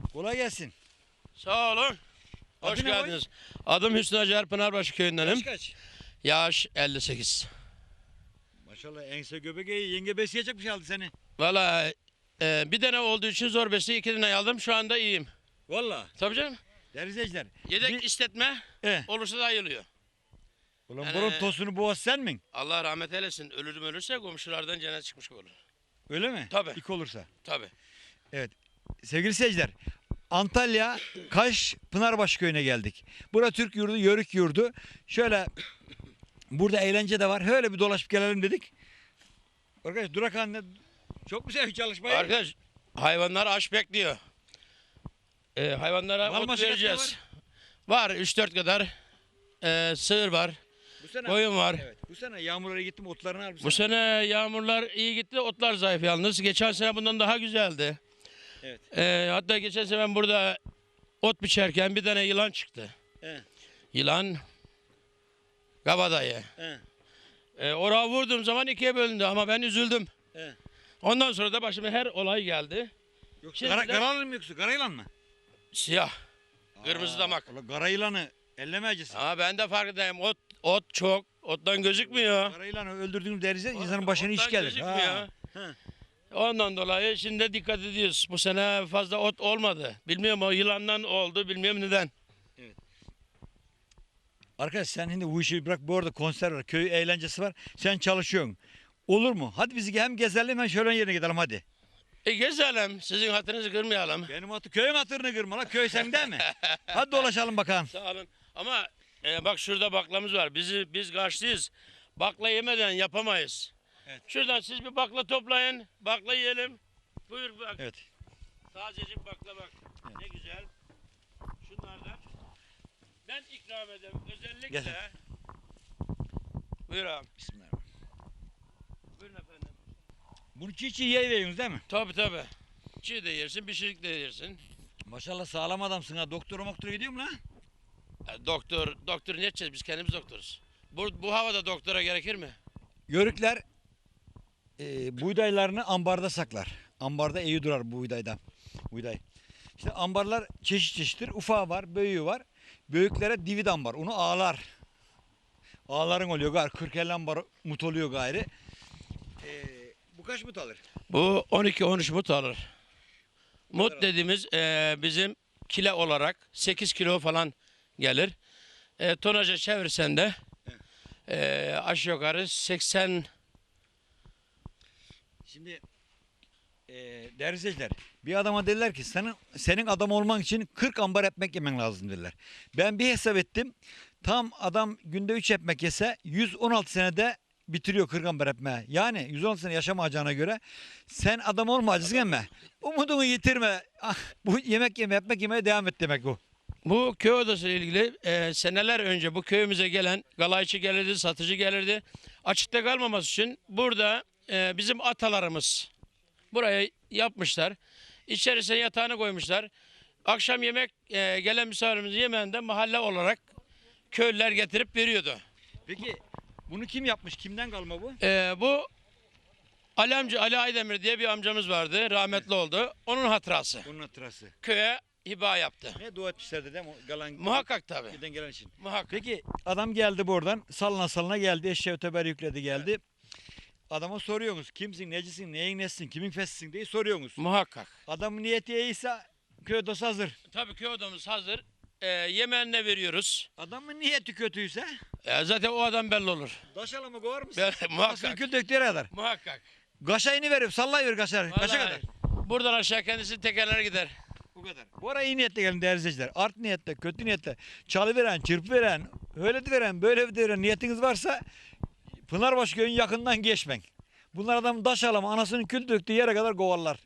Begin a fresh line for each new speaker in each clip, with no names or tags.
Kolay gelsin.
Sağ olun. Hoş
Adı ne
geldiniz. Adım Hüsnü Acar, Pınarbaşı köyündenim.
Yaş kaç?
Yaş 58.
Maşallah ense göbek iyi. Yenge besleyecek bir şey aldı seni.
Valla bir tane olduğu için zor besi 2 tane aldım. Şu anda iyiyim.
Valla.
Tabii canım.
Değerli izleyiciler.
Yedek istetme olursa da ayılıyor.
Ulan
Yani-
bunun tosunu boğaz sen mi?
Allah rahmet eylesin. Ölürse komşulardan cennet çıkmış olur.
Öyle mi?
Tabii.
İlk olursa.
Tabii.
Sevgili seyirciler. Antalya Kaş Pınarbaşı köyüne geldik. Bura Türk yurdu, Yörük yurdu. Şöyle burada eğlence de var. Öyle bir dolaşıp gelelim dedik. Arkadaş Durakhan'da çok güzel bir çalışmayı.
Arkadaş hayvanlar aç bekliyor. Hayvanlara
Mal
ot
maşakatı
vereceğiz. Var 3-4 kadar. Sığır var.
Bu sene,
Koyun var.
evet, bu sene yağmurlara gittim otlarını al
Bu sene yağmurlar iyi gitti, otlar zayıf yalnız. Geçen sene bundan daha güzeldi.
Evet.
Hatta geçen sene ben burada ot biçerken bir tane yılan çıktı.
Evet.
Yılan kabadayı. Oraya vurduğum zaman ikiye bölündü ama ben üzüldüm.
Evet.
Ondan sonra da başıma her olay geldi.
Yoksa
Şimdi de-
kara mı yoksa kara yılan mı?
Siyah, kırmızı damak.
Ulan kara yılanı ellemeyeceksin.
Ama ben de farkındayım. Ot çok, ottan gözükmüyor.
Kara yılanı öldürdüğünüz derize insanın başına iş
Ottan
gelir.
gözükmüyor.
Ha.
Ondan dolayı şimdi de dikkat ediyoruz. Bu sene fazla ot olmadı. Bilmiyorum o yılandan oldu, bilmiyorum neden.
Arkadaş sen şimdi bu işi bırak, bu arada konser var, köy eğlencesi var. Sen çalışıyorsun. Olur mu? Hadi bizi hem gezelim hem şöyle yerine gidelim hadi.
Gezelim, sizin hatırınızı kırmayalım.
Benim köyün hatırını kırma la, köy sende mi? Hadi dolaşalım bakalım.
Sağ olun. Ama bak şurada baklamız var. Biz karşıyız. Bakla yemeden yapamayız.
Evet.
Şuradan siz bir bakla toplayın. Bakla yiyelim. Buyur bak.
Evet.
Tazecik bakla bak.
Evet.
Ne güzel. Şunlar da. Ben ikram ederim. Özellikle.
Gel.
Buyur abi.
Bismillah.
Buyurun efendim.
Bunu çiğ çiğ yiyiyorsunuz değil mi?
Tabii tabii. Çiğ de yersin, pişirik de yersin.
Maşallah sağlam adamsın ha. Doktora gidiyor mu lan?
Doktor ne edeceğiz? Biz kendimiz doktoruz. Bu havada doktora gerekir mi?
Yörükler buğdaylarını ambarda saklar. Ambarda iyi durar buğdaydan. Buğday. İşte ambarlar çeşit çeşittir. Ufağı var, büyüğü var. Büyüklere divid ambar. Onu ağlar. Ağların oluyor gayrı. 40-50 ambar mut oluyor gayrı. Bu kaç mut alır?
Bu 12-13 mut alır. Mut
kadar
dediğimiz bizim kilo olarak 8 kilo falan gelir. Tonaja çevirsen de aşağı yukarı 80.
Şimdi değerli izleyiciler, bir adama dediler ki senin adam olman için 40 ambar ekmek yemen lazım dediler. Ben bir hesap ettim. Tam adam günde 3 ekmek yese 116 senede bitiriyor 40 ambar ekmeği. Yani 116 sene yaşamayacağına göre sen adam olmayacaksın ama umudunu yitirme. Ah, bu yemek yeme, ekmek yemeye devam et demek bu.
Bu köy odası ile ilgili seneler önce bu köyümüze gelen galayçı gelirdi, satıcı gelirdi. Açıkta kalmaması için burada bizim atalarımız buraya yapmışlar. İçerisine yatağını koymuşlar. Akşam yemek gelen misafirimizin yemeğinde mahalle olarak köylüler getirip veriyordu.
Peki bunu kim yapmış? Kimden kalma bu?
Bu Ali Aydemir diye bir amcamız vardı. Rahmetli oldu. Onun hatırası.
Bunun hatırası.
Köye hiba yaptı.
Ne dua etmişlerdi değil mi? Galan,
Muhakkak tabii.
giden gelen için.
Muhakkak.
Peki adam geldi buradan salına geldi, eşeği öteber yükledi geldi. Adama soruyorsunuz kimsin, necisin, neyin nesisin, kimin fesisin diye soruyorsunuz.
Muhakkak.
Adamın niyeti iyiyse köy odası hazır.
Tabii köy odamız hazır. Yemeğine veriyoruz.
Adamın niyeti kötüyse
Zaten o adam belli olur.
daşala mı kovar mısın? Asıl
Muhakkak.
kül döktüğü yere kadar.
Muhakkak.
Gaşayını verip sallayıver kaşar. Kaşa
Vallahi
kadar.
buradan aşağı kendisi tekerler gider.
Bu kadar. Bu ara iyi niyetle gelin değerli izleyiciler. Art niyetle, kötü niyetle, çalıveren, çırpıveren, öyle de veren, böyle de veren niyetiniz varsa Pınarbaşı köyün yakından geçmeyin. Bunlar adam daşalama anasının kül döktüğü yere kadar kovarlar.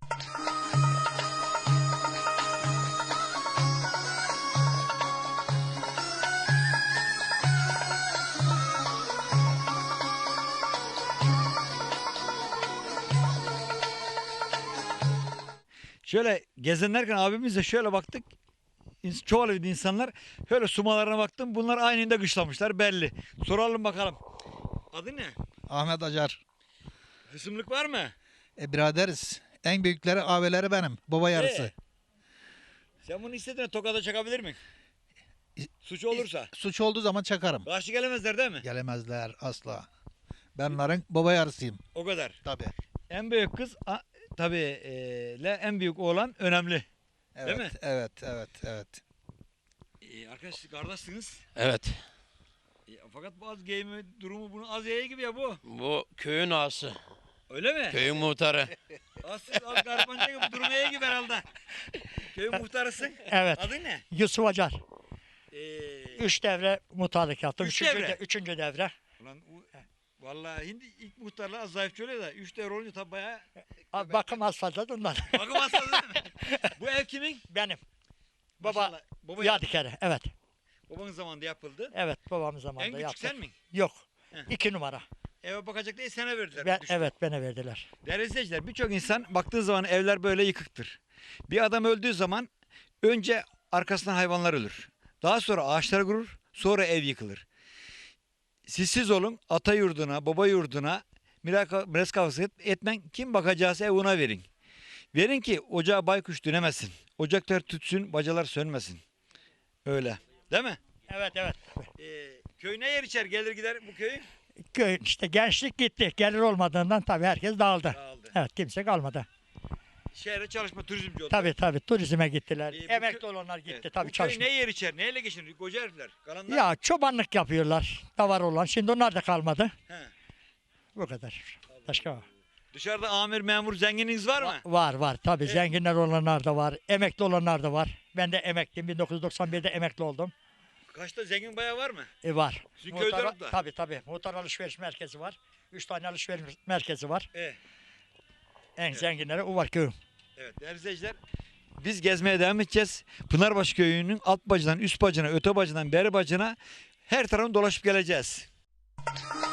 Şöyle gezenlerken abimizle şöyle baktık. Çoğalıydı insanlar. Şöyle sumalarına baktım. Bunlar aynında kışlamışlar belli. Soralım bakalım. Adı ne?
Ahmet Acar.
Hısımlık var mı?
Biraderiz. En büyükleri abileri benim. Baba yarısı.
Sen bunu istediğine tokada çakabilir mi? Suç olursa.
Suç olduğu zaman çakarım.
Karşı gelemezler değil mi?
Gelemezler asla. Ben onların baba yarısıyım.
O kadar.
Tabii.
En büyük kız tabii en büyük oğlan önemli.
Evet,
mi?
Evet, evet, evet.
Arkadaşlar kardeşsiniz.
Evet.
Fakat bazı giyimi durumu bunu az ye gibi ya bu.
Bu köyün ağası.
Öyle mi?
Köyün muhtarı.
Az garpanca gibi durumu iyi gibi herhalde. Köyün muhtarısın.
Evet.
Adın ne?
Yusuf Acar.
Ee,
3 devre muhtarlık yaptım.
Üç
Üçüncü
devre?
üçüncü devre.
ulan vallahi şimdi ilk muhtarlar az zayıf söylüyor da 3 devre olunca tabi bayağı
Abi bakım az fazla da ondan.
bakım hastası değil mi? Bu ev kimin?
Benim. Baba
Maşallah. Baba
Yadikarı. Evet.
babanın zamanında yapıldı.
Evet babamın
En
zamanında
küçük
yaptık.
sen mi?
Yok.
Heh.
2 numara.
Eve bakacak diye sana verdiler.
Ben,
düştü.
evet bana verdiler.
Değerli izleyiciler, birçok insan baktığı zaman evler böyle yıkıktır. Bir adam öldüğü zaman önce arkasından hayvanlar ölür. Daha sonra ağaçlar kurur, sonra ev yıkılır. Siz olun, ata yurduna, baba yurduna miras kavgası etmen, kim bakacağız ev ona verin. Verin ki ocağa baykuş dönemesin. Ocaklar tütsün, bacalar sönmesin. Öyle. Değil mi?
Evet evet.
Köy ne yer içer gelir gider bu köyün?
Köy işte gençlik gitti. Gelir olmadığından tabii herkes dağıldı.
Dağıldı.
Evet kimse kalmadı.
Şehre çalışma turizmci oldu.
Tabii turizme gittiler.
Bu
Emekli olanlar gitti
Evet,
tabii
bu köy
çalışma.
ne yer içer? Neyle geçinir? Koca herifler. Kalanlar.
Ya çobanlık yapıyorlar. Davar olan. Şimdi onlar da kalmadı.
He.
Bu kadar. Başka var.
Dışarıda amir, memur, zengininiz var mı?
Var tabii zenginler olanlar da var. Emekli olanlar da var. Ben de emekliyim. 1991'de emekli oldum.
Kaçta zengin bayağı var mı?
Var.
Sizin köyde yok da.
Tabii. Muhtar alışveriş merkezi var. 3 tane alışveriş merkezi var. En zenginleri o var köyüm.
Evet değerli izleyiciler. Biz gezmeye devam edeceğiz. Pınarbaşı köyünün alt bacından, üst bacına, öte bacından, beri bacına her tarafını dolaşıp geleceğiz.